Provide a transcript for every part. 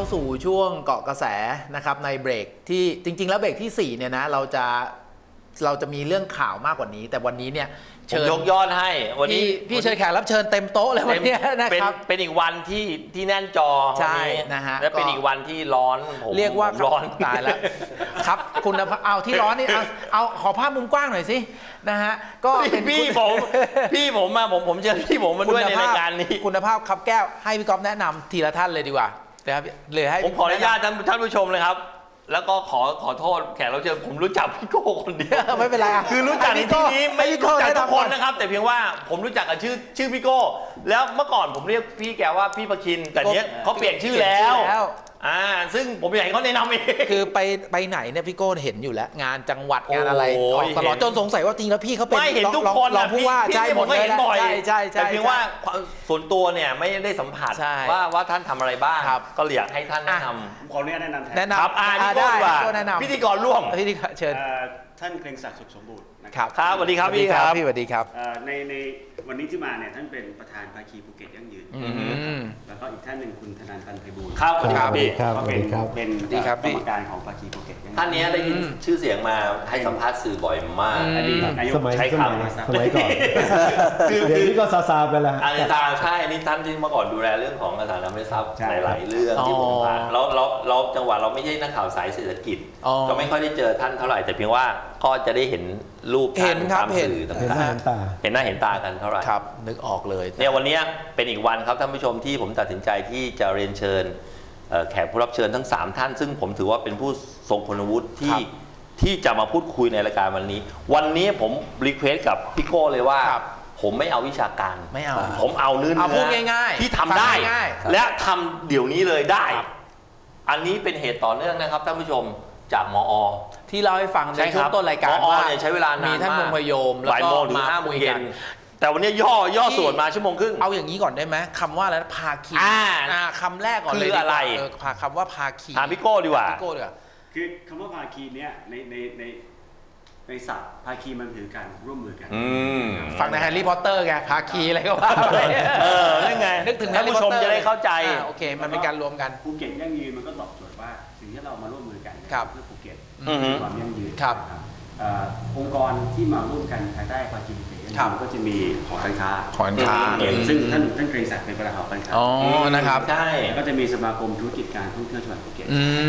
าสู่ช่วงเกาะกระแสนะครับในเบรกที่จริงๆแล้วเบรกที่4เนี่ยนะเราจะมีเรื่องข่าวมากกว่านี้แต่วันนี้เนี่ยเชิญยกยอดให้วันนี้พี่เชิญแขกรับเชิญเต็มโต๊ะเลยวันนี้นะครับเป็นอีกวันที่แน่นจอใช่นะฮะและเป็นอีกวันที่ร้อนเรียกว่าร้อนตายแล้วครับคุณเอาที่ร้อนนี่เอาขอภาพมุมกว้างหน่อยสินะฮะก็เป็นพี่ผมมาผมเชิญพี่ผมมาด้วยในรายการนี้คุณภาพครับแก้วให้พี่ก๊อฟแนะนำทีละท่านเลยดีกว่านะครับเลยให้ผมขออนุญาตท่านผู้ชมเลยครับแล้วก็ขอโทษแขกเราเจอผมรู้จักพี่โก้คนเดียวไม่เป็นไรคือรู้จักในที่นี้ไม่รู้จักทุกคนนะครับแต่เพียงว่าผมรู้จักกับชื่อพี่โก้แล้วเมื่อก่อนผมเรียกพี่แกว่าพี่ประคินแต่เนี้ยเขาเปลี่ยนชื่อแล้วซึ่งผมอยากให้เขาแนะนำเองคือไปไหนเนี่ยพี่โก้เห็นอยู่แล้วงานจังหวัดงานอะไรตลอดจนสงสัยว่าจริงแล้วพี่เขาเป็นไม่เห็นทุกคนรองผู้ว่าใช่ผมก็เห็นบ่อยใช่แต่เพียงว่าส่วนตัวเนี่ยไม่ได้สัมผัสว่าท่านทำอะไรบ้างก็อยากให้ท่านแนะนำขออนุญาตแนะนำครับพี่โก้ดีกว่าพิธีกรร่วมพิธีกรเชิญท่านเกรงศักดิ์สุขสมบูรณ์นะครับสวัสดีครับพี่ครับพี่สวัสดีครับในวันนี้ที่มาเนี่ยท่านเป็นประธานภาคีภูเก็ตยั่งยืนแล้วก็อีกท่านหนึ่งคุณธนันท์ ตันไพบูลย์ครับพี่ก็เป็นกรรมการของภาคีภูเก็ตท่านนี้ได้ยินชื่อเสียงมาให้สัมภาษณ์สื่อบ่อยมากอดีตนายกใช้คำสมัยก่อนเดี๋ยวนี้ก็ซาไปแล้วอาจารย์ใช่นี่ท่านที่เมื่อก่อนดูแลเรื่องของอสังหาริมทรัพย์หลายๆเรื่องที่ผมผ่านเราจังหวะเราไม่ใช่นักข่าวสายเศรษฐกิจก็ไม่ค่อยได้เจอท่านเท่าไหร่แต่เพียงว่าก็จะได้เห็นรูปท่านตามสื่อต่างๆเห็นหน้าเห็นตากันเท่าไหร่ครับนึกออกเลยเนี่ยวันนี้เป็นอีกวันครับท่านผู้ชมที่ผมตัดสินใจที่จะเรียนเชิญแขกผู้รับเชิญทั้ง3ท่านซึ่งผมถือว่าเป็นผู้ทรงคุณวุฒิที่จะมาพูดคุยในรายการวันนี้ผมรีเควสกับพี่โก้เลยว่าผมไม่เอาวิชาการไม่เอาผมเอาเนื้อพูดง่ายๆที่ทำได้และทำเดี๋ยวนี้เลยได้อันนี้เป็นเหตุต่อเนื่องนะครับท่านผู้ชมจากมอ. ที่เราให้ฟังในช่วงต้นรายการว่าใช้เวลานานมีท่านมงคลโยมแล้วก็มา5 โมงเย็นแต่วันนี้ย่อส่วนมา1 ชั่วโมงครึ่งเอาอย่างนี้ก่อนได้ไหมคำว่าอะไรภาคีคำแรกก่อนเลยคืออะไรคำว่าภาคีถามพี่โก้ดีกว่าคือคำว่าภาคีเนี่ยในศัพท์ภาคีมันถือการร่วมมือกันฟังในแฮร์รี่พอตเตอร์ไงภาคีอะไรก็ว่านั่นไงนึกถึงท่านผู้ชมจะได้เข้าใจโอเคมันเป็นการรวมกันภูเก็ตยั่งยืนมันก็ตอบโจทย์ว่าสิ่งที่เรามาร่วมมือกันเพื่อภูเก็ตความยั่งยืนองค์กรที่มาร่วมกันภายใต้ภาคีภูเก็ตก็จะมีหอการค้าซึ่งท่านเกรงศักดิ์เป็นประธานหอการค้านะครับใช่ก็จะมีสมาคมธุรกิจการท่องเที่ยวจังหวัดภูเก็ต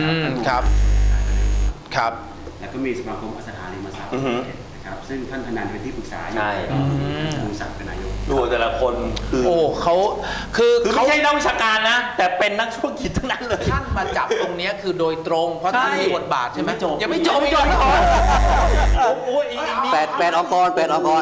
ครับแล้วก็มีสมาคมอสังหาริมทรัพย์นะครับซึ่งท่านธนันท์เป็นที่ปรึกษาอยู่ท่านศักดิ์เป็นนายกดูแต่ละคนคือเขาไม่ใช่นักวิชาการนะแต่เป็นนักธุรกิจทั้งนั้นเลยท่านมาจับตรงนี้คือโดยตรงเพราะท่านมีบทบาทใช่ไหมยังไม่จบ 8 องค์กร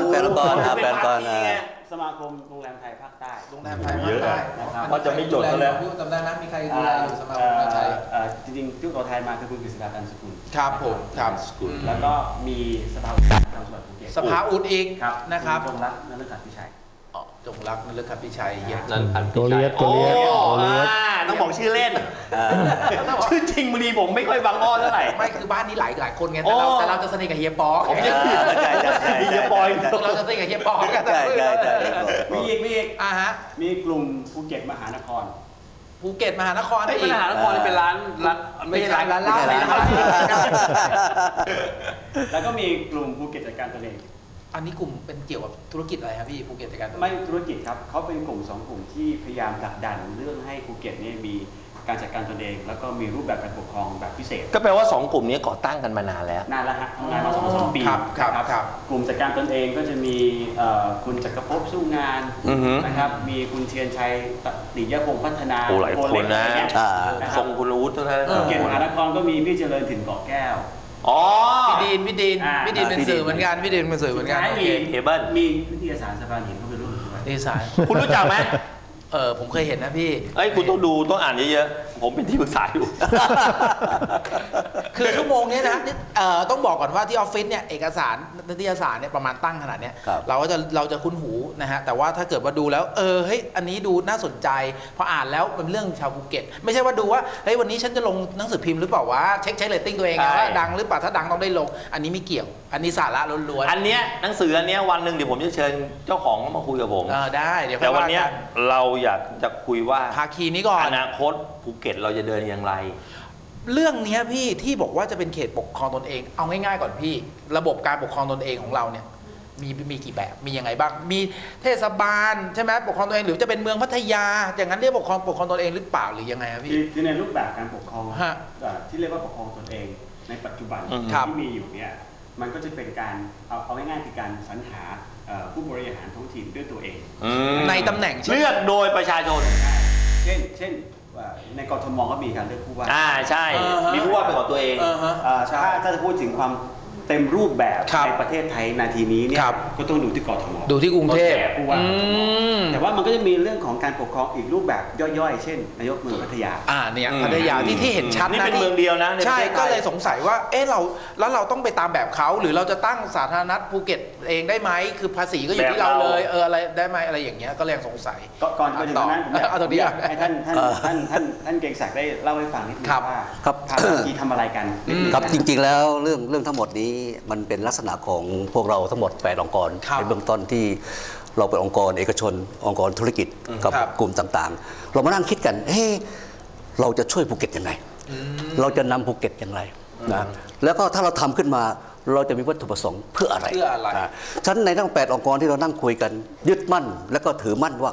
สมาคมโรงแรมไทยภาคใต้โรงแรมไทยภาคใต้ก็จะไม่จดแล้วจำได้ไหมมีใครดูแลอยู่สมาคมไทยจริงๆที่ตัวไทยมาคือคุณกฤษดาตันสกุลครับผมครับแล้วก็มีสภาอุดจังหวัดภูเก็ตสภาอุดอีกนะครับจงรักนฤขัตน์พิชัยจงรักนฤขัตน์พิชัยตัวเลียดต้องบอกชื่อเล่นชื่อจริงบางทีผมไม่ค่อยบังอ้อเท่าไหร่ไม่คือบ้านนี้หลายคนไงแต่เราจะสนิทกับเฮียปอผมจะเฮียปอยเราจะสนิทกับเฮียปอกันมีอีกมีกลุ่มภูเก็ตมหานครภูเก็ตมหานครไม่มหานครเป็นร้านไม่ใช่ร้านเหล้าแล้วก็มีกลุ่มภูเก็ตจัดการตนเองอันนี้กลุ่มเป็นเกี่ยวกับธุรกิจอะไรครับพี่ภูเก็ตจัดการไม่ธุรกิจครับเขาเป็นกลุ่ม2 กลุ่มที่พยายามผลักดันเรื่องให้ภูเก็ตเนี่ยมีการจัดการตนเองแล้วก็มีรูปแบบการปกครองแบบพิเศษก็แปลว่า2 กลุ่มนี้ก่อตั้งกันมานานแล้วฮะทำงานมา2 ปีครับกลุ่มจัดการตนเองก็จะมีคุณจักรภพสู้งานนะครับมีคุณเทียนชัยติยพงษ์พัฒนาหลายคนนะทรงคุณวุฒิทุกท่านภูเก็ตมหานครก็มีพี่เจริญถิ่นเกาะแก้วพี่ดีนเป็นสื่อเหมือนกันพี่ดีนเป็นสื่อเหมือนกันมีวิทยาศาสตร์สะพานหินเข้าไปร่วมด้วยวิทยาศาสตร์คุณรู้จักไหมผมเคยเห็นนะพี่คุณต้องดูต้องอ่านเยอะๆผมเป็นที่ปรึกษาอยู่คือชั่วโมงนี้นะต้องบอกก่อนว่าที่ออฟฟิศเนี่ยเอกสารนิตยสารเนี่ยประมาณตั้งขนาดเนี้ยเราจะคุ้นหูนะฮะแต่ว่าถ้าเกิดว่าดูแล้วเฮ้ยอันนี้ดูน่าสนใจพออ่านแล้วเป็นเรื่องชาวภูเก็ตไม่ใช่ว่าดูว่าเฮ้ยวันนี้ฉันจะลงหนังสือพิมพ์หรือเปล่าวะเช็คเรตติ้งตัวเองว่าดังหรือเปล่าถ้าดังต้องได้ลงอันนี้ไม่เกี่ยวอันนี้สาระล้วนๆอันเนี้ยหนังสืออันเนี้ยวันหนึ่งเดี๋ยวผมจะเชิญเจ้าของมาคุยกับผมได้เดี๋ยวแต่วันเนี้ยเราอยากจะคุยว่าภาคีนี้ก่อนอนาคตภูเก็ตเราจะเดินอย่างไรเรื่องนี้พี่ที่บอกว่าจะเป็นเขตปกครองตนเองเอาง่ายๆก่อนพี่ระบบการปกครองตนเองของเราเนี่ยมีกี่แบบมียังไงบ้างมีเทศบาลใช่ไหมปกครองตนเองหรือจะเป็นเมืองพัทยาอย่างนั้นเรียกปกครองตนเองหรือเปล่าหรือยังไงครับพี่คือในรูปแบบการปกครองที่เรียกว่าปกครองตนเองในปัจจุบันที่มีอยู่เนี่ยมันก็จะเป็นการเอาง่ายๆคือการสรรหาผู้บริหารท้องถิ่นด้วยตัวเองในตำแหน่งเลือกโดยประชาชนเช่นในกทมก็มีการเลือกผู้ว่าใช่มีผู้ว่าเป็นของตัวเองถ้าจะพูดถึงความเต็มรูปแบบในประเทศไทยนาทีนี้เนี่ยก็ต้องดูที่กทมดูที่กรุงเทพผู้ว่าแต่ว่ามันก็จะมีเรื่องของการปกครองอีกรูปแบบย่อยๆเช่นนายกเมืองพัทยาเนี่ยพัทยาที่เห็นชัดนะนี่เป็นเมืองเดียวนะใช่ก็เลยสงสัยว่าเราต้องไปตามแบบเขาหรือเราจะตั้งสาธารณรัฐภูเก็ตเองได้ไหมคือภาษีก็อยู่ที่เราเลยอะไรได้ไหมอะไรอย่างเงี้ยก็เลยสงสัยก่อนถึงนั้นเอาตรงนี้ให้ท่านเกรงศักดิ์ได้เล่าให้ฟังนิดนึงว่าภาคีทำอะไรกันครับจริงๆแล้วเรื่องทั้งหมดนี้มันเป็นลักษณะของพวกเราทั้งหมด8องค์กรในเบื้องต้นที่เราเป็นองค์กรเอกชนองค์กรธุรกิจกับกลุ่มต่างๆเรามานั่งคิดกันเราจะช่วยภูเก็ตยังไงเราจะนำภูเก็ตอย่างไรนะแล้วก็ถ้าเราทำขึ้นมาเราจะมีวัตถุประสงค์เพื่ออะไรฉะนั้นในทั้ง8องค์กรที่เรานั่งคุยกันยึดมั่นและก็ถือมั่นว่า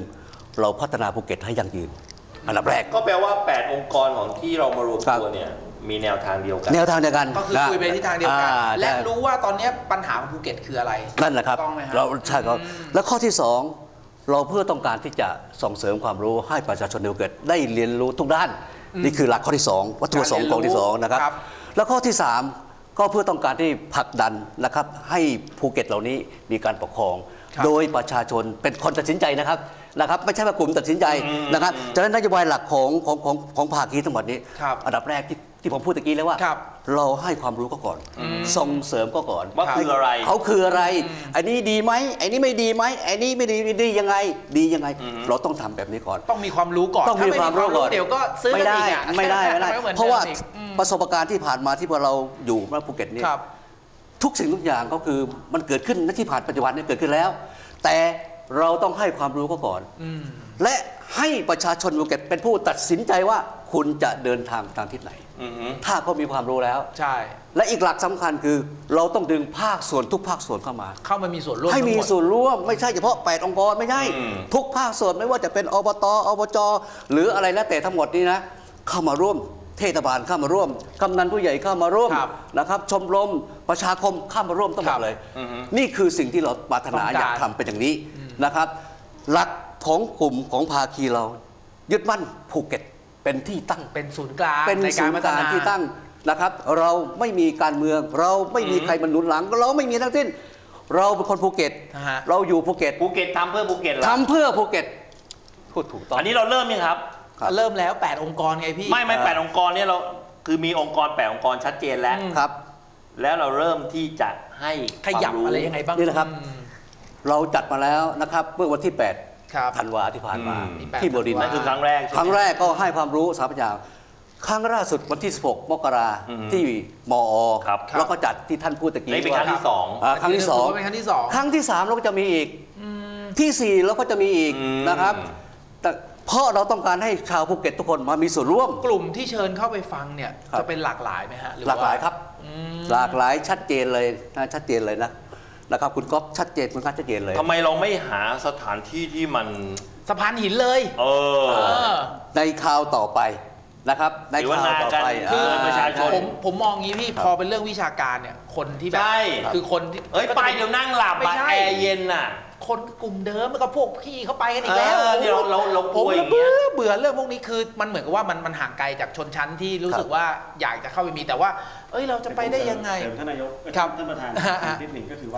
1เราพัฒนาภูเก็ตให้ยั่งยืนอันดับแรกก็แปลว่า8องค์กรของที่เรามารวมตัวเนี่ยมีแนวทางเดียวกันก็คือคุยไปที่ทางเดียวกันและรู้ว่าตอนนี้ปัญหาของภูเก็ตคืออะไรนั่นแหละครับเราใช่ครับแล้วข้อที่2เราเพื่อต้องการที่จะส่งเสริมความรู้ให้ประชาชนในภูเก็ตได้เรียนรู้ทุกด้านนี่คือหลักข้อที่2วัตถุประสงค์ของที่2นะครับแล้วข้อที่3ก็เพื่อต้องการที่ผลักดันนะครับให้ภูเก็ตเหล่านี้มีการปกครองโดยประชาชนเป็นคนตัดสินใจนะครับไม่ใช่ว่ากลุ่มตัดสินใจนะครับฉะนั้นนโยบายหลักของภาคีทั้งหมดนี้อันดับแรกที่ผมพูดตะกี้แล้วว่าเราให้ความรู้ก็ก่อนส่งเสริมก็ก่อนว่าคืออะไรเขาคืออะไรอันนี้ดีไหมอันนี้ไม่ดีไหมอันนี้ไม่ดียังไงดียังไงเราต้องทำแบบนี้ก่อนต้องมีความรู้ก่อนต้องมีความรู้ก่อนเดี๋ยวก็ซื้อไม่ได้เพราะว่าประสบการณ์ที่ผ่านมาที่เราอยู่ในภูเก็ตนี่ทุกสิ่งทุกอย่างก็คือมันเกิดขึ้นณที่ผ่านปัจจุบันนี้เกิดขึ้นแล้วแต่เราต้องให้ความรู้ก็ก่อนและให้ประชาชนภูเก็ตเป็นผู้ตัดสินใจว่าคุณจะเดินทางทางทิศไหนถ้าเขามีความรู้แล้วใช่และอีกหลักสำคัญคือเราต้องดึงภาคส่วนทุกภาคส่วนเข้ามามีส่วนร่วมให้มีส่วนร่วมไม่ใช่เฉพาะ8องค์กรไม่ใช่ทุกภาคส่วนไม่ว่าจะเป็นอบต.อบจ.หรืออะไรแล้วแต่ทั้งหมดนี้นะเข้ามาร่วมเทศบาลเข้ามาร่วมกำนันผู้ใหญ่เข้ามาร่วมนะครับชมรมประชาคมเข้ามาร่วมทั้งหมดเลยนี่คือสิ่งที่เราปรารถนาอยากทำเป็นอย่างนี้นะครับหลักของกลุ่มของภาคีเรายึดมั่นภูเก็ตเป็นที่ตั้งเป็นศูนย์กลางในการพัฒนาที่ตั้งนะครับเราไม่มีการเมืองเราไม่มีใครมาหนุนหลังเราไม่มีทั้งสิ้นเราเป็นคนภูเก็ตเราอยู่ภูเก็ตทำเพื่อภูเก็ตทำเพื่อภูเก็ตพูดถูกต้องอันนี้เราเริ่มยังครับเริ่มแล้ว8องค์กรไงพี่ไม่8องค์กรเนี่ยเราคือมีองค์กร8องค์กรชัดเจนแล้วครับแล้วเราเริ่มที่จะให้ขยับอะไรยังไงบ้างนี่นะครับเราจัดมาแล้วนะครับเมื่อวันที่8ธันวาที่ผ่านมาที่บดินทร์นั่นคือครั้งแรกก็ให้ความรู้สาธารณะครั้งล่าสุดวันที่16มกราที่มอ.แล้วก็จัดที่ท่านพูดตะกี้เป็นครั้งที่2 ครั้งที่2 เป็นครั้งที่2 ครั้งที่3เราก็จะมีอีกที่4เราก็จะมีอีกนะครับแต่เพราะเราต้องการให้ชาวภูเก็ตทุกคนมามีส่วนร่วมกลุ่มที่เชิญเข้าไปฟังเนี่ยจะเป็นหลากหลายไหมฮะหลากหลายครับหลากหลายชัดเจนเลยนะครับคุณก๊อฟชัดเจนคุณชัดเจนเลยทำไมเราไม่หาสถานที่ที่มันสะพานหินเลยในคราวต่อไปนะครับในคราวต่อไปคือประชาชนผมมองงี้พี่พอเป็นเรื่องวิชาการเนี่ยคนที่แบบคือคนที่ไปเดี๋ยวนั่งหลับแอร์เย็นน่ะคนกลุ่มเดิมแล้วก็พวกพี่เขาไปกันอีกแล้วเราผมเบื่อเรื่องพวกนี้คือมันเหมือนกับว่ามันห่างไกลจากชนชั้นที่รู้สึกว่าอยากจะเข้าไปมีแต่ว่าเราจะไปได้ยังไงท่านนายกท่านประธานนิดหนึ่งก็คือว่า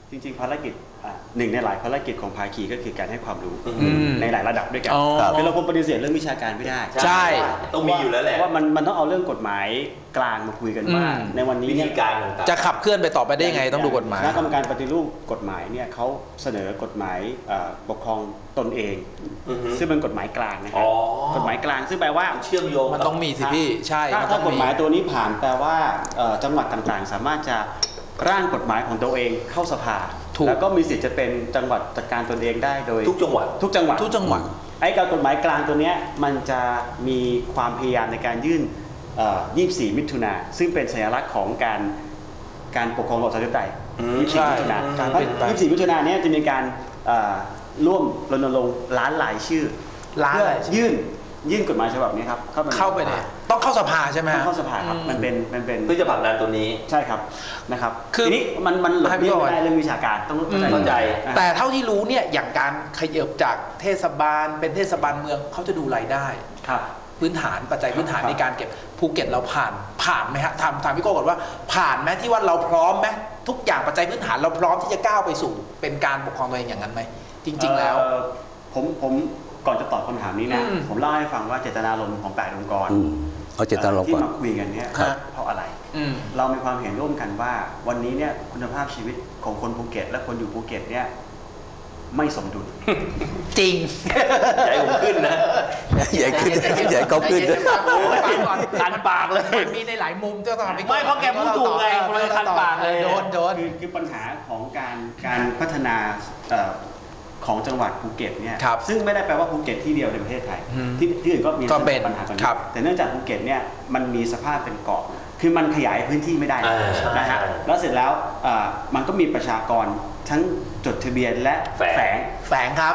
จริงๆภารกิจหนึ่งในหลายภารกิจของภาคีก็คือการให้ความรู้ในหลายระดับด้วยกันคือเราคงปฏิเสธเรื่องวิชาการไม่ได้ใช่ต้องมีอยู่แล้วแหละว่ามันต้องเอาเรื่องกฎหมายกลางมาคุยกันว่าในวันนี้เนี่ยจะขับเคลื่อนไปต่อไปได้ไงต้องดูกฎหมายคณะกรรมการปฏิรูปกฎหมายเนี่ยเขาเสนอกฎหมายปกครองตนเองซึ่งเป็นกฎหมายกลางนะครับกฎหมายกลางซึ่งแปลว่าเชื่อมโยงมันต้องมีสิพี่ใช่ถ้ากฎหมายตัวนี้ผ่านแปลว่าจังหวัดต่างๆสามารถจะร่างกฎหมายของตัวเองเข้าสภาแล้วก็มีสิทธิ์จะเป็นจังหวัดจัดการตนเองได้โดยทุกจังหวัดไอ้การกฎหมายกลางตัวนี้มันจะมีความพยายามในการยื่น24 มิถุนาซึ่งเป็นสัญลักษณ์ของการปกครองระบอบประชาธิปไตย24 มิถุนา24 มิถุนาเนี่ยจะมีการร่วมรณรงค์ล้านหลายชื่อเพื่อยื่นกฎหมายฉบับนี้ครับเข้าไปเนี่ยต้องเข้าสภาใช่ไหมต้องเข้าสภาครับมันเป็นเพื่อจะผลักดันตัวนี้ใช่ครับนะครับทีนี้มันหลบเลี่ยงไม่ได้เรื่องวิชาการต้องเข้าใจแต่เท่าที่รู้เนี่ยอย่างการขยับจากเทศบาลเป็นเทศบาลเมืองเขาจะดูรายได้ครับพื้นฐานปัจจัยพื้นฐานในการเก็บภูเก็ตเราผ่านไหมฮะถามพี่โก้ก่อนว่าผ่านไหมที่ว่าเราพร้อมไหมทุกอย่างปัจจัยพื้นฐานเราพร้อมที่จะก้าวไปสู่เป็นการปกครองตัวเองอย่างนั้นไหมจริงๆแล้วผมก่อนจะตอบคำถามนี้นะผมเล่าให้ฟังว่าเจตนารมณ์ของ8 องค์กรที่มาคุยกันเนี่ยเพราะอะไรเรามีความเห็นร่วมกันว่าวันนี้เนี่ยคุณภาพชีวิตของคนภูเก็ตและคนอยู่ภูเก็ตเนี่ยไม่สมดุลจริงใหญ่ผมขึ้นนะใหญ่ขึ้นใหญ่ก็ขึ้นคันปากเลยมีในหลายมุมเจ้าตัวไม่เพราะแกพูดถูกไงเลยคันปากเลยโดนคือปัญหาของการพัฒนาของจังหวัดภูเก็ตเนี่ยซึ่งไม่ได้แปลว่าภูเก็ตที่เดียวในประเทศไทยที่อื่นก็มีปัญหาแบบนี้แต่เนื่องจากภูเก็ตเนี่ยมันมีสภาพเป็นเกาะคือมันขยายพื้นที่ไม่ได้นะฮะแล้วเสร็จแล้วมันก็มีประชากรทั้งจดทะเบียนและแฝงครับ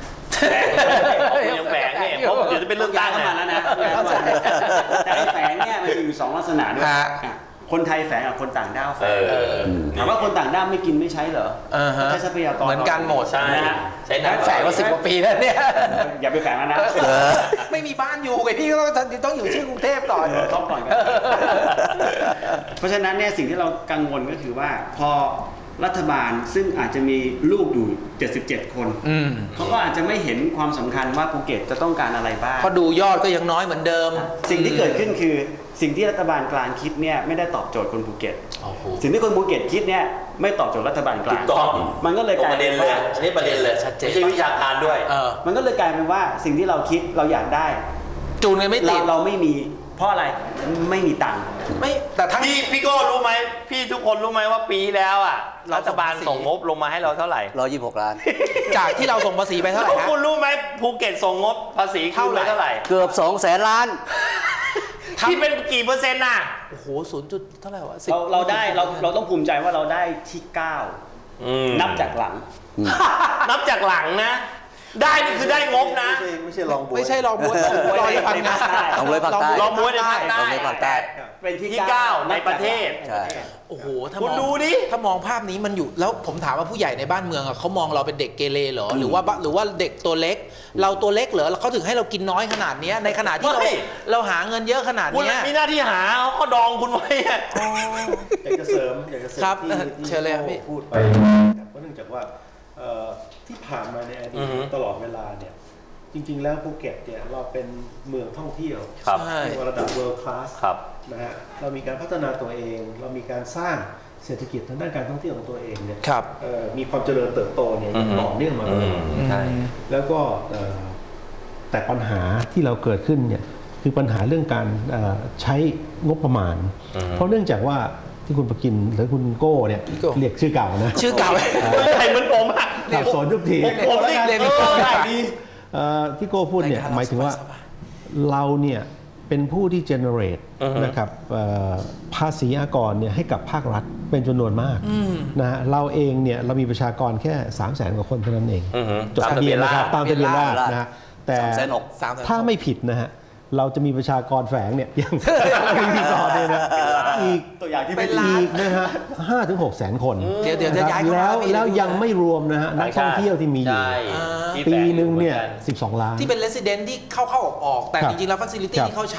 ยังแฝงเนี่ยเพราะเดี๋ยวจะเป็นเรื่องการเข้ามาแล้วนะแต่แฝงเนี่ยมันอยู่2 ลักษณะด้วยคนไทยแฝงกับคนต่างด้าวแฝงถามว่าคนต่างด้าวไม่กินไม่ใช้เหรอใช้ทรัพยากรเหมือนกันหมดใช่ใช้แฝงมา10 กว่าปีแล้วเนี่ยอย่าไปแฝงแล้วนะไม่มีบ้านอยู่ไงพี่ก็ต้องอยู่ที่กรุงเทพก่อนต้องก่อนเพราะฉะนั้นเนี่ยสิ่งที่เรากังวลก็คือว่าพอรัฐบาลซึ่งอาจจะมีลูกอยู่77 คนเขาก็อาจจะไม่เห็นความสำคัญว่าภูเก็ตจะต้องการอะไรบ้างเพราะดูยอดก็ยังน้อยเหมือนเดิมสิ่งที่เกิดขึ้นคือสิ่งที่รัฐบาลกลางคิดเนี่ยไม่ได้ตอบโจทย์คนภูเก็ตสิ่งที่คนภูเก็ตคิดเนี่ยไม่ตอบโจทย์รัฐบาลกลางมันก็เลยกลายเป็นว่าอันนี้ประเด็นเลยชัดเจนไม่ใช่วิชาการด้วยมันก็เลยกลายเป็นว่าสิ่งที่เราคิดเราอยากได้จูนกันไม่ติดเราไม่มีเพราะอะไรไม่มีตังค์ไม่แต่ทั้งพี่ก็รู้ไหมพี่ทุกคนรู้ไหมว่าปีแล้วอ่ะรัฐบาลส่งงบลงมาให้เราเท่าไหร่ 126 ล้านจากที่เราส่งภาษีไปเท่าไหร่ฮะคุณรู้ไหมภูเก็ตส่งงบภาษีเท่าไหร่เกือบ200,000 ล้านที่เป็นกี่เปอร์เซ็นต์น่ะโอ้โห0.เท่าไหร่วะเราได้เราต้องภูมิใจว่าเราได้ที่9นับจากหลังนับจากหลังนะได้นี่คือได้งบนะไม่ใช่ลองบวยไม่ใช่ลองบวยลอยพังงาลองบวยภาคใต้ลองบวยในภาคใต้เป็นที่ 9ในประเทศโอ้โหคุณดูดิถ้ามองภาพนี้มันอยู่แล้วผมถามว่าผู้ใหญ่ในบ้านเมืองเขามองเราเป็นเด็กเกเรเหรอหรือว่าเด็กตัวเล็กเราตัวเล็กเหรอเขาถึงให้เรากินน้อยขนาดนี้ในขณะที่เราหาเงินเยอะขนาดนี้มีหน้าที่หาเขาดองคุณไว้อยากจะเสริมครับเชิญเลยครับพี่พูดไปเพราะเนื่องจากว่าที่ผ่านมาในอดีตตลอดเวลาเนี่ยจริงๆแล้วภูเก็ตเนี่ยเราเป็นเมืองท่องเที่ยวในระดับ world class นะฮะเรามีการพัฒนาตัวเองเรามีการสร้างเศรษฐกิจทางด้านการท่องเที่ยวของตัวเองเนี่ยมีความเจริญเติบโตเนี่ยต่อเนื่องมาเลยแล้วก็แต่ปัญหาที่เราเกิดขึ้นเนี่ยคือปัญหาเรื่องการใช้งบประมาณเพราะเนื่องจากว่าที่คุณประกินหรือคุณโก้เนี่ยเรียกชื่อเก่านะชื่อเก่าใครเหมือนผมอะสับสนทุกทีผมเรียกได้ดีที่โก้พูดเนี่ยหมายถึงว่าเราเนี่ยเป็นผู้ที่ generate นะครับภาษีอากรเนี่ยให้กับภาครัฐเป็นจำนวนมากนะฮะเราเองเนี่ยเรามีประชากรแค่ 300,000 กว่าคนเท่านั้นเองจดทะเบียนนะครับตามทะเบียนราษฎร์นะฮะแต่ถ้าไม่ผิดนะฮะเราจะมีประชากรแฝงเนี่ยยังไม่มีต่อเลยนะอีกตัวอย่างที่เป็ไม่นดีล้านอีกนะฮะ5 ถึง 6 แสนคนเดี๋ยวจะย้ายเข้ามาแล้วยังไม่รวมนะฮะนักท่องเที่ยวที่มีอยู่ใช่ที่ปีแฝงหนึ่งเนี่ยอกั 12 ล้านที่เป็น resident ที่เข้าออกแต่ครับจริงๆแล้ว facility ครับที่เขาใช้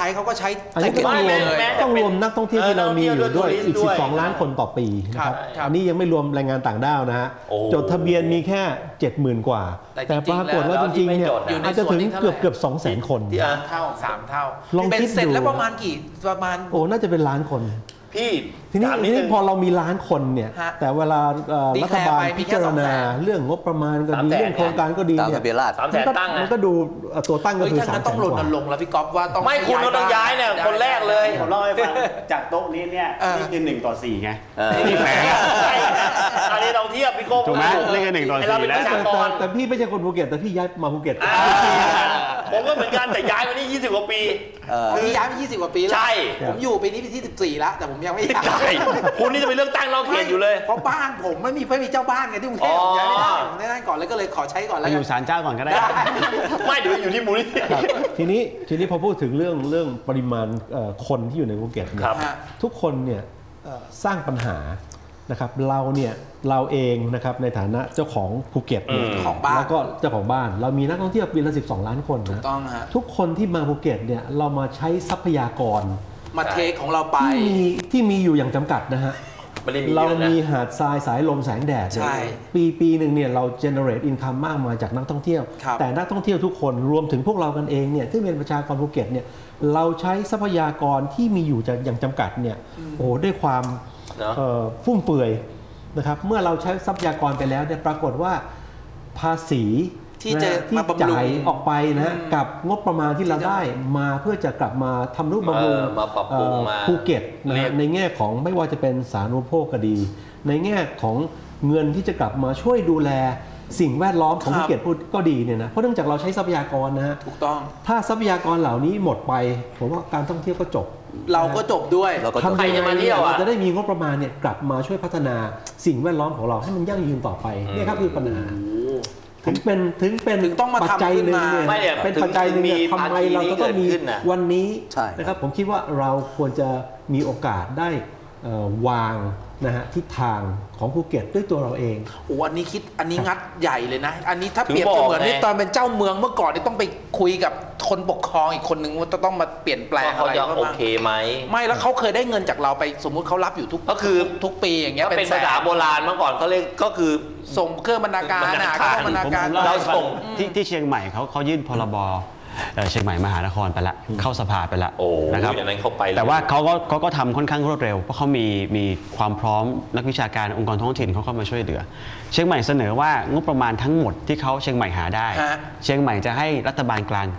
อันนี้ก็ต้องรวมเลยต้องรวมนักท่องเที่ยวที่เรามีอยู่ด้วยอีกด้วย 12 ล้านคนต่อปีนะครับครับอันนี้ยังไม่รวมแรงงานต่างด้าวนะฮะโอ้จดทะเบียนมีแค่ 70,000 กว่าแต่จริงๆปรากฏว่าแล้วจริงๆเนี่ยที่ไม่จดอะอาจจะถึงเกือบ200,000 คนที่ 3 เท่าลองเป็นคิดเสร็จดูแล้วประมาณประมาณโอ้น่าจะเป็นล้านคนพี่ทีนี้ถามทีดนี้งพอเรามีล้านคนเนี่ยฮะแต่เวลาดีแครัฐร์บาลไปมีพิแค่จารณา 200,000 เรื่องงบประมาณก็ดี 300,000 เรื่องโครงการก็ดีตามเนี่ทะเบียนราษฎร์ 300,000 ตั้งมันะนก็ดูตัวตั้งก็เฮ้ยคือท่าน 300,000 ก็ต้องรกว่าณรงค์แล้วพี่ก๊อฟว่าต้องไม่คุณเราต้องย้ายเนี่ยได้คนแรกเลยผมเล่าให้ฟังจากโต๊ะนี้เนี่ยเออนี่คือ1:4ไงนี่แฝงอันนี้เราเทียบพี่โก้ถูกไหมเลข1:4 เราเป็นประชากรแต่พี่ไม่ใช่คนภูเก็ตแต่พี่ย้ายมาภูเก็ตผมก็เหมือนกันแต่ย้ายมานี่20 กว่าปีพี่ย้ายมา20 กว่าปีแล้วใช่ผมอยู่ปีนี้ปีที่ 14 แล้ว แต่ผมยังไม่ย้ายใช่คุณนี่จะไปเลือกตั้งนอกเขตอยู่เลยเพราะบ้านผมไม่มีเจ้าบ้านไงที่กรุงเทพผมย้ายไม่ได้ผมได้ก่อนเลยก็เลยขอใช้ก่อนไปแล้วอกันยู่ศาลเจ้าก่อนก็ได้ไม่เดี๋ยวอยู่ที่มูลนิธิครับทีนี้พอพูดถึงเรื่องปริมาณคนที่อยู่ในภูเก็ตเนี่ยครับทุกคนเนี่ยสร้างปัญหานะครับเราเองนะครับในฐานะเจ้าของภูเก็ตเนี่ยของบ้านแล้วก็เจ้าของบ้านเรามีนักท่องเที่ยวปีละ12 ล้านคนนะต้องฮะทุกคนที่มาภูเก็ตเนี่ยเรามาใช้ทรัพยากรมาเทคของเราไปที่มีอยู่อย่างจำกัดนะฮะไม่ได้มีเราเยอะนะมีหาดทรายสายลมแสงแดดเนี่ยใช่ปีหนึ่งเนี่ยเรา generate income มากมายจากนักท่องเที่ยวครับแต่นักท่องเที่ยวทุกคนรวมถึงพวกเรากันเองเนี่ยที่เป็นประชากรภูเก็ตเนี่ยเราใช้ทรัพยากรที่มีอยู่อย่างจำกัดเนี่ยโอ้โหด้วยความเนอะฟุ่มเฟือยนะครับเมื่อเราใช้ทรัพยากรไปแล้วเนี่ยปรากฏว่าภาษีที่จะที่มาบำรุงจ่ายออกไปนะกับงบประมาณที่เราได้มาเพื่อจะกลับมาทำนุบำรุงมาปรับปรุงมาภูเก็ตนะเรียฮะกในแง่ของไม่ว่าจะเป็นสาธารณูปโภคก็ดี ในแง่ของเงินที่จะกลับมาช่วยดูแลสิ่งแวดล้อมของครับภูเก็ตก็ดีเนี่ยนะเพราะเนื่องจากเราใช้ทรัพยากรนะฮะถูกต้องถ้าทรัพยากรเหล่านี้หมดไปผมว่าการท่องเที่ยวก็จบเราก็จบด้วยเราก็จบทำใครยังจะไงมาเที่ยวอะเราจะได้มีงบประมาณเนี่ยกลับมาช่วยพัฒนาสิ่งแวดล้อมของเราให้มันยั่งยืนต่อไปเนี่ยครับคือปัญหาถึงเป็นถึงต้องมาปัจจัยหนึ่งทำขึ้นมาเนี่ยไม่เนี่ยเป็นปัจจัยหนึ่งเนี่ยถึงมีทำไมเราจะต้องมีภาคีนี้เกิดขึ้นน่ะวันนี้ใช่นะครับผมคิดว่าเราควรจะมีโอกาสได้วางนะฮะทิศทางของภูเก็ตด้วยตัวเราเองโอ้อันนี้งัดใหญ่เลยนะ อันนี้ถ้าถึงเปรียบบอกเสมือนไงที่ตอนเป็นเจ้าเมืองเมื่อก่อนนี่ต้องไปคุยกับคนปกครองอีกคนนึงว่าจะต้องมาเปลี่ยนแปลงว่าเขาอะไรจะบ้างโอเคไหมไม่แล้วเขาเคยได้เงินจากเราไปสมมุติเขารับอยู่ทุกก็คือทุกปีอย่างเงี้ยถ้าเป็นแสภาษาโบราณเมื่อก่อนเขาเรียกก็คือส่งเครื่องบรรณาการบรรณานะการเครื่องบรรณาผมการเล่าเราให้ฟังส่งที่เชียงใหม่เขายื่นพรบเชียงใหม่มหานครไปละเข้าสภาไปละโอ้นะครับอย่างนั้นเขาไปเลยแต่ว่าเขาก็ทำค่อนข้างรวดเร็วเพราะเขามีความพร้อมนักวิชาการองค์กรท้องถิ่นเขาเข้ามาช่วยเหลือ เชียงใหม่เสนอว่างบประมาณทั้งหมดที่เขาเชียงใหม่หาได้ฮะเชียงใหม่จะให้รัฐบาลกลาง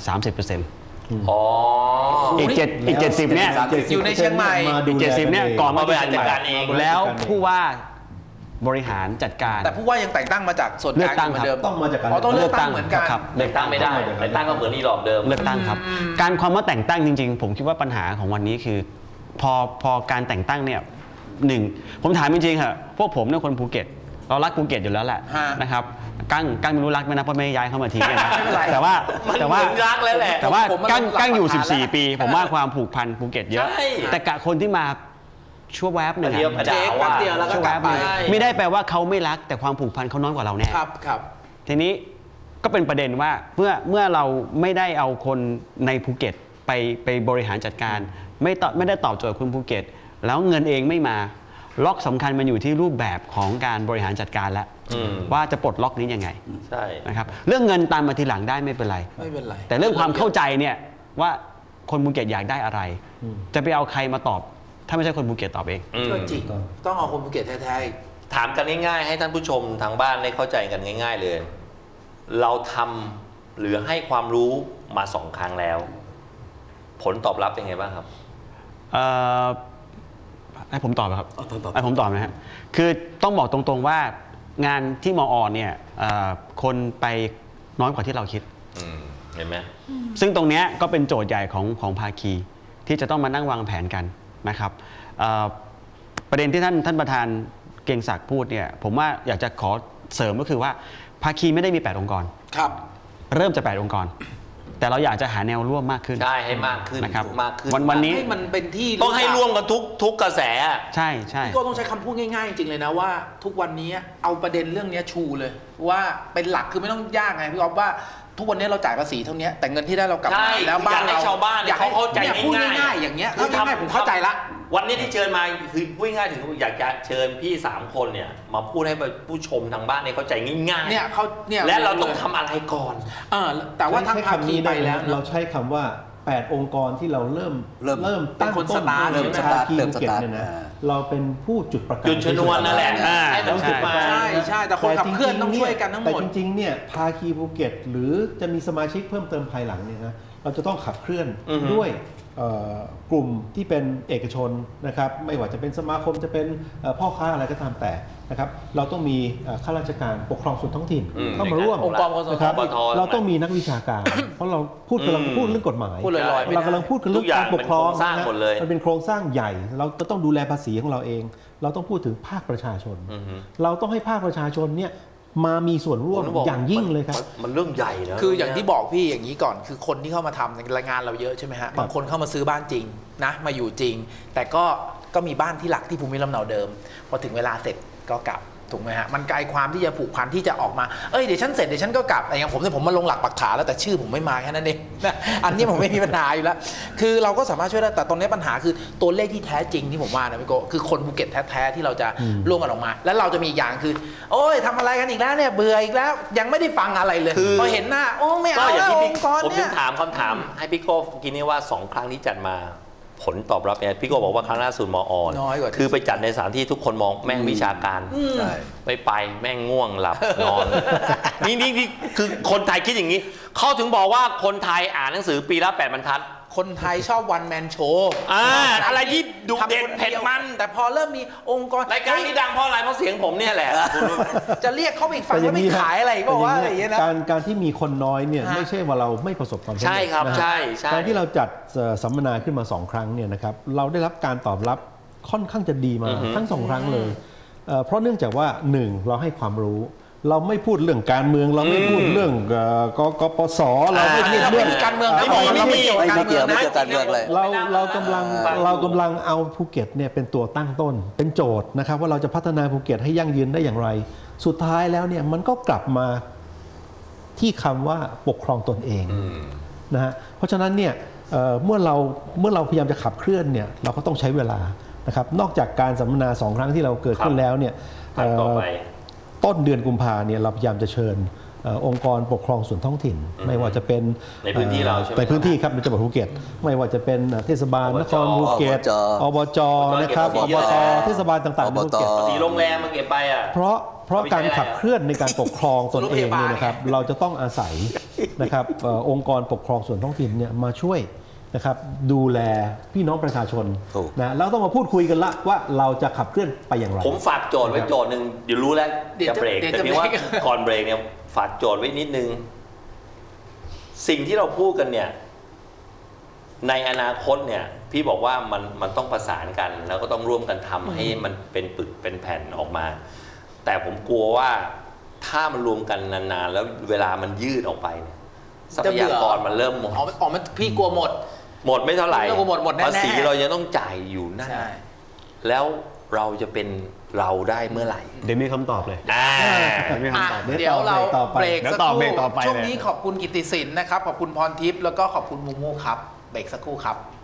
30% อ๋ออีก70เนี่ยอยู่ในเชียงใหม่อีก70เนี่ยก่อนมาบริหารจัดการเองแล้วผู้ว่าบริหารจัดการแต่ผู้ว่ายังแต่งตั้งมาจากส่วนกลางเหมือนเดิมต้องมาจากการอ๋อต้องเลือกตั้งเหมือนกันครับเลือกตั้งไม่ได้เลือกตั้งก็เหมือนอีหลอบเดิมเลือกตั้งครับ การความว่าแต่งตั้งจริงๆ ผมคิดว่าปัญหาของวันนี้คือ พอการแต่งตั้งเนี่ยหนึ่งผมถามจริงๆค่ะพวกผมเนี่ยคนภูเก็ตเรารักภูเก็ตอยู่แล้วแหละฮะนะครับกั้งไม่รู้รักไหมนะเพราะไม่ได้ย้ายเข้ามาทิ้งเนี่ยนะไม่เป็นไรแต่ว่ามันแต่ว่าเหมือนรักแล้วแหละแต่ว่าผมมันกั้งอยู่หลักฐานแล้ว 14 ปี ผมว่าความผูกพันภูเก็ตเยอะใช่แต่กะคนที่มาชั่วแวบหนึ่งเดียวอะด่าว่าเดียวแล้วก็ชั่วกแวลับบหไปนึ่งไม่ได้แปลว่าเขาไม่รักแต่ความผูกพันเขาน้อยกว่าเราแน่ครับครับทีนี้ก็เป็นประเด็นว่าเมื่อเราไม่ได้เอาคนในภูเก็ตไปบริหารจัดการ ไม่ได้ตอบโจทย์คุณภูเก็ต แล้วเงินเองไม่มาล็อกสำคัญมันอยู่ที่รูปแบบของการบริหารจัดการแล้วอืมว่าจะปลดล็อกนี้ยังไงใช่นะครับเรื่องเงินตามมาทีหลังได้ไม่เป็นไรไม่เป็นไรแต่เรื่องความเข้าใจเนี่ยว่าคนภูเก็ตอยากได้อะไร จะไปเอาใครมาตอบ ถ้าไม่ใช่คนภูเก็ตตอบเองอืมก็จริงต้องเอาคนภูเก็ตแท้ๆอีกถามกันง่ายๆ ให้ท่านผู้ชมทางบ้านได้เข้าใจกันง่าย ๆเลย เราทำหรือให้ความรู้มา2 ครั้งแล้ว ผลตอบรับเป็นไงบ้างครับให้ผมตอบไหมครับตอบให้ผมตอบนะฮะคือต้องบอกตรงๆว่างานที่มอเนี่ยคนไปน้อยกว่าที่เราคิดเห็นไหมซึ่งตรงเนี้ยก็เป็นโจทย์ใหญ่ของภาคีที่จะต้องมานั่งวางแผนกันนะครับประเด็นที่ท่านประธานเกรียงศักดิ์พูดเนี่ยผมว่าอยากจะขอเสริมก็คือว่าภาคีไม่ได้มี8 องค์กรครับเริ่มจาก8 องค์กรแต่เราอยากจะหาแนวร่วมมากขึ้นใช่ให้มากขึ้นนะครับมากขึ้นวันนี้ให้มันเป็นที่ต้องให้ร่วมกันทุกกระแสใช่ใช่พี่โก้ต้องใช้คำพูดง่ายๆจริงๆเลยนะว่าทุกวันนี้เอาประเด็นเรื่องนี้ชูเลยว่าเป็นหลักคือไม่ต้องยากไงพี่อ๊อฟว่าทุกวันนี้เราจ่ายภาษีเท่านี้แต่เงินที่ได้เรากลับใช่มาแล้วบ้านอยากให้เราชาวบ้านอยากให้เขาเข้าใจนี่ยพูดง่ายๆง่ายๆอย่างเงี้ยคือทำให้ผมเข้าใจละวันนี้ที่เชิญมาคือพูดง่ายๆถึงอยากจะเชิญพี่3คนเนี่ยมาพูดให้ผู้ชมทางบ้านเนี่ยเข้าใจง่ายๆเนี่ยเขาเนี่ยและเราต้องทำอะไรก่อนแต่ว่าทางภาคีไปแล้วเราใช้คำว่า8องค์กรที่เราเริ่มเป็นคนสตาร์ทเริ่มใช่ไหมภาคีภูเก็ตเนี่ยนะเราเป็นผู้จุดประกายจุดชนวนนั่นแหละให้มันขึ้นมาใช่แต่คนขับเคลื่อนต้องช่วยกันทั้งหมดแต่จริงๆเนี่ยภาคีภูเก็ตหรือจะมีสมาชิกเพิ่มเติมภายหลังเนี่ยนะเราจะต้องขับเคลื่อนด้วยกลุ่มที่เป็นเอกชนนะครับไม่ว่าจะเป็นสมาคมจะเป็นพ่อค้าอะไรก็ตามแต่นะครับเราต้องมีข้าราชการปกครองส่วนท้องถิ่นเข้ามาร่วมองค์กรปกครองส่วนนะครับท้องถิ่นเราต้องมีนักวิชาการ เพราะเรากำลังพูดเรื่องกฎหมายพูดลอยๆไม่ได้เรากำลังพูดกันเรื่องการปกครองทุกอย่างเป็นโครงสร้างหมดเลยมันเป็นโครงสร้างใหญ่ เราก็ต้องดูแลภาษีของเราเอง เราต้องพูดถึงภาคประชาชน เราต้องให้ภาคประชาชนเนี่ยมามีส่วนร่วมอย่างยิ่งเลยครับมันเรื่องใหญ่นะคืออย่างที่บอกพี่อย่างนี้ก่อนคือคนที่เข้ามาทำในรายงานเราเยอะใช่ไหมฮะบางคนเข้ามาซื้อบ้านจริงนะมาอยู่จริง แต่ก็มีบ้านที่หลักที่ภูมิลำเนาเดิมพอถึงเวลาเสร็จก็กลับถูกไหมฮะมันไกลความที่จะผูกพันที่จะออกมาเดี๋ยวฉันเสร็จเดี๋ยวฉันก็กลับอะไรอย่างผมมาลงหลักปักฐานแล้วแต่ชื่อผมไม่มาแค่นั้นเองนะอันนี้ผมไม่มีปัญหาอยู่แล้วคือเราก็สามารถช่วยได้แต่ตอนนี้ปัญหาคือตัวเลขที่แท้จริงที่ผมว่านะพี่โกคือคนภูเก็ตแท้ๆที่เราจะร่วมกันออกมา แล้วเราจะมีอย่างคือโอ้ยทำอะไรกันอีกแล้วเนี่ยเบื่ออีกแล้วยังไม่ได้ฟังอะไรเลยพอเห็นหน้าโอ้ไม่เอาก็อย่างแล้วที่อพี่งค์กรผมเนี่ถึยงถามคำถามให้พี่โก้กินนี่ว่า2 ครั้งที่จัดมาผลตอบรับเนี่ยพี่โก้บอกว่าครั้งล่าสุดมอน้อยกว่าคือไปจัดในสถานที่ทุกคนมองแม่งวิชาการใช่ไปแม่งง่วงหลับนอน นี่คือคนไทยคิดอย่างนี้เขาถึงบอกว่าคนไทยอ่านหนังสือปีละ8 บรรทัดคนไทยชอบวันแมนโชว์อะไรที่ดุเด็ดเผ็ดมันแต่พอเริ่มมีองค์กรรายการนี้ดังเพราะอะไรเพราะเสียงผมเนี่ยแหละจะเรียกเขาไปอีกฝั่งว่าไม่ขายอะไรก็ว่าอะไรอย่างเงี้ยนะการที่มีคนน้อยเนี่ยไม่ใช่ว่าเราไม่ประสบความสำเร็จใช่ครับนะฮะใช่ใช่การที่เราจัดสัมมนาขึ้นมา2 ครั้งเนี่ยนะครับเราได้รับการตอบรับค่อนข้างจะดีมาทั้ง2 ครั้งเลยเพราะเนื่องจากว่า1เราให้ความรู้ เราไม่พูดเรื่องการเมืองเราไม่พูดเรื่องกปสเราไม่พูดเราเรื่ไม่องมีการเมืองนะเราไม่เกี่ยวกับการเมืองนะไม่เกี่ยวการเมืองเลยเรากำลังเอาภูเก็ตเนี่ยเป็นตัวตั้งต้นเป็นโจทย์นะครับว่าเราจะพัฒนาภูเก็ตให้ยั่งยืนได้อย่างไร สุดท้ายแล้วเนี่ยมันก็กลับมาที่คำว่าปกครองตนเองนะฮะเพราะฉะนั้นเนี่ยเมื่อเราพยายามจะขับเคลื่อนเนี่ยเราก็ต้องใช้เวลานะครับนอกจากการสัมมนา2 ครั้งที่เราเกิดขึ้นแล้วเนี่ยต่อไปต้นเดือนกุมภาเนี่ยเราพยายามจะเชิญองค์กรปกครองส่วนท้องถิ่น ไม่ว่าจะเป็นในพื้นที่เราใช่ไหมในพื้นที่ครับในจังหวัดภูเก็ตไม่ว่าจะเป็นเทศบาลนครภูเก็ตอบจนะครับอบตเทศบาลต่างๆในภูเก็ตสีโรงแรมมันเก็บไปอ่ะเพราะการขับเคลื่อนในการปกครองตนเองเนี่ยนะครับเราจะต้องอาศัยนะครับองค์กรปกครองส่วนท้องถิ่นเนี่ยมาช่วยนะครับดูแลพี่น้องประชาชนนะแล้วต้องมาพูดคุยกันละว่าเราจะขับเคลื่อนไปอย่างไรผมฝากโจทย์ไว้โจทย์หนึ่งเดี๋ยวรู้แล้วจะเบรกแต่เพียงว่าก่อนเบรกเนี่ยฝากโจทย์ไว้นิดนึงสิ่งที่เราพูดกันเนี่ยในอนาคตเนี่ยพี่บอกว่ามันต้องประสานกัน แล้วก็ต้องร่วมกันทำให้มันเป็นปึกเป็นแผ่นออกมา แต่ผมกลัวว่าถ้ามันรวมกันนานๆแล้วเวลามันยืดออกไปเนี่ยทรัพยากรมันเริ่มหมดมันพี่กลัวหมดไม่เท่าไหร่หมดแน่ๆภาษีเรายังต้องจ่ายอยู่นั่นแล้วเราจะเป็นเราได้เมื่อไหร่เดี๋ยวมีคำตอบเลยเดี๋ยวเราเบรกสักครู่ต่อไปช่วงนี้ขอบคุณกิตติศิลป์นะครับขอบคุณพรทิพย์แล้วก็ขอบคุณมูมูครับเบรกสักครู่ครับ